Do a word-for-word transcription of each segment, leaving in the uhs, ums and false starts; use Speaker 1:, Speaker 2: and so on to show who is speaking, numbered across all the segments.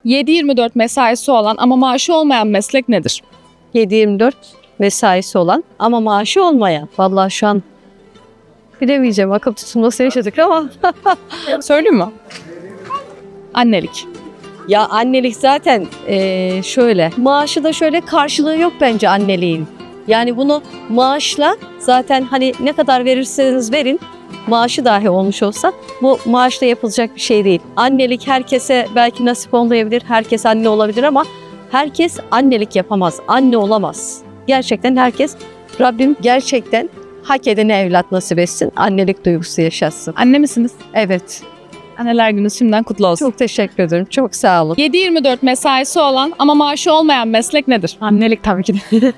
Speaker 1: yedi yirmi dört mesaisi olan ama maaşı olmayan meslek nedir?
Speaker 2: yedi yirmi dört mesaisi olan ama maaşı olmayan. Vallahi şu an bilemeyeceğim. Akıl tutulması yaşadık ama.
Speaker 1: Söyleyeyim mi? Annelik.
Speaker 2: Ya annelik zaten eee, şöyle. Maaşı da şöyle karşılığı yok bence anneliğin. Yani bunu maaşla zaten hani ne kadar verirseniz verin maaşı dahi olmuş olsa bu maaşla yapılacak bir şey değil. Annelik herkese belki nasip olmayabilir. Herkes anne olabilir ama herkes annelik yapamaz. Anne olamaz. Gerçekten herkes Rabbim gerçekten hak edene evlat nasip etsin. Annelik duygusu yaşatsın.
Speaker 1: Anne misiniz?
Speaker 2: Evet.
Speaker 1: Anneler gününüz şimdiden kutlu olsun.
Speaker 2: Çok teşekkür ederim. Çok sağ olun.
Speaker 1: yedi yirmi dört mesaisi olan ama maaşı olmayan meslek nedir?
Speaker 3: Annelik tabii ki de.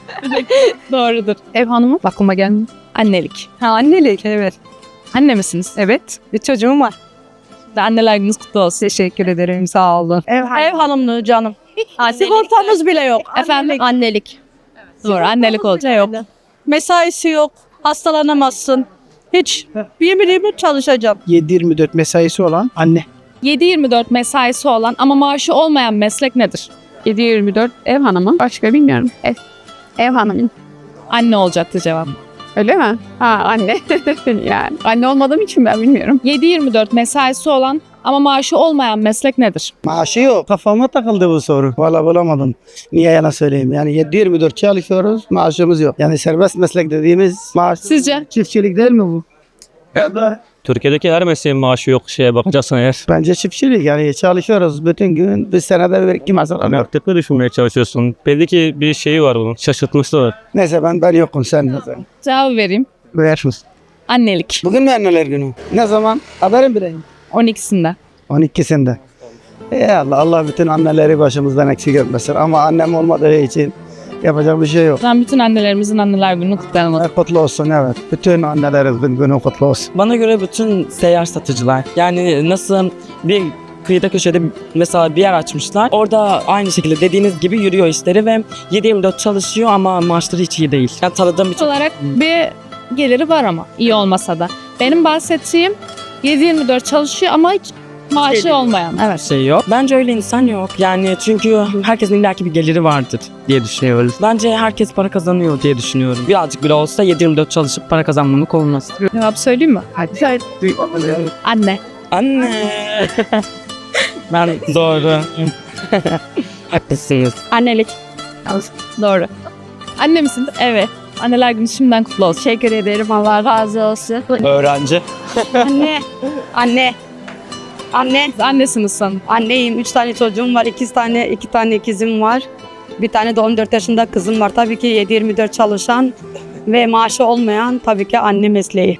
Speaker 1: Doğrudur.
Speaker 3: Ev hanımı aklıma gelmiyor.
Speaker 1: Annelik.
Speaker 3: Ha annelik evet.
Speaker 1: Anne misiniz?
Speaker 3: Evet. Bir çocuğum var.
Speaker 1: De anneler gününüz kutlu olsun.
Speaker 3: Teşekkür ederim sağ olun.
Speaker 2: Ev,
Speaker 4: Ev hanımlığı canım. Sigortamız bile yok.
Speaker 1: Efendim?
Speaker 2: Annelik.
Speaker 1: Doğru, annelik olacak.
Speaker 4: Yok. Mesaisi yok. Hastalanamazsın. Hiç. Yemin yemin çalışacağım.
Speaker 5: yedi yirmi dört mesaisi olan anne.
Speaker 1: yedi yirmi dört mesaisi olan ama maaşı olmayan meslek nedir?
Speaker 3: yedi yirmi dört ev hanımı. Başka bilmiyorum. Ev, ev hanımı.
Speaker 1: Anne olacaktı cevap.
Speaker 3: Öyle mi? Ha anne. Yani anne olmadığım için ben bilmiyorum.
Speaker 1: yedi yirmi dört mesaisi olan ama maaşı olmayan meslek nedir?
Speaker 5: Maaşı yok. Kafama takıldı bu soru. Valla bulamadım. Niye yalan söyleyeyim? Yani yedi yirmi dört çalışıyoruz, maaşımız yok. Yani serbest meslek dediğimiz maaş.
Speaker 1: Sizce?
Speaker 5: Çiftçilik değil mi bu? Ya da
Speaker 6: Türkiye'deki her mesleğin maaşı yok şeye bakacaksın eğer.
Speaker 5: bence çiftçilik. Yani çalışıyoruz bütün gün. Bir senede bir iki mesela.
Speaker 6: Mantıklı düşünmeye çalışıyorsun. Belli ki bir şeyi var bunun. Şaşırtmışlar.
Speaker 5: Neyse ben ben yokum sen mesela.
Speaker 1: Cevabı vereyim.
Speaker 5: Buyursunuz.
Speaker 1: Annelik.
Speaker 5: Bugün mü anneler günü? Ne zaman? Haberim bileyim.
Speaker 1: on ikisinde.
Speaker 5: on ikisinde. Ey Allah, Allah bütün anneleri başımızdan eksik etmesin. Ama annem olmadığı için yapacak bir şey yok.
Speaker 1: Ben bütün annelerimizin anneler gününü kutlayalım.
Speaker 5: Kutlu olsun, evet. Bütün annelerimizin günü kutlu olsun.
Speaker 7: Bana göre bütün seyyar satıcılar. Yani nasıl bir kıyıda köşede mesela bir yer açmışlar. Orada aynı şekilde dediğiniz gibi yürüyor işleri ve yedi yirmi dört çalışıyor ama maaşları hiç iyi değil. Yani tanıdığım bir
Speaker 1: olarak bir geliri var ama iyi olmasa da. Benim bahsettiğim yedi yirmi dört çalışıyor ama hiç maaşı olmayan. Evet.
Speaker 7: şey yok. Bence öyle insan yok. Yani çünkü herkesin illaki bir geliri vardır diye düşünüyoruz. Bence herkes para kazanıyor diye düşünüyorum. Birazcık bile olsa yedi yirmi dört çalışıp para kazanmamak olmaz.
Speaker 1: Cevap söyleyeyim mi? Hadi. Anne.
Speaker 7: Anne. Ben doğru. Haklısınız.
Speaker 4: Annelik.
Speaker 1: Doğru. Anne misiniz? Evet. Anneler günü şimdiden kutlu olsun.
Speaker 4: Teşekkür ederim. Allah razı olsun.
Speaker 6: Öğrenci.
Speaker 4: Anne. Anne. Anne.
Speaker 1: Siz annesiniz sanırım.
Speaker 4: Anneyim. Üç tane çocuğum var. İki tane, iki tane ikizim var. Bir tane de on dört yaşında kızım var. Tabii ki yedi yirmi dört çalışan ve maaşı olmayan tabii ki anne mesleği.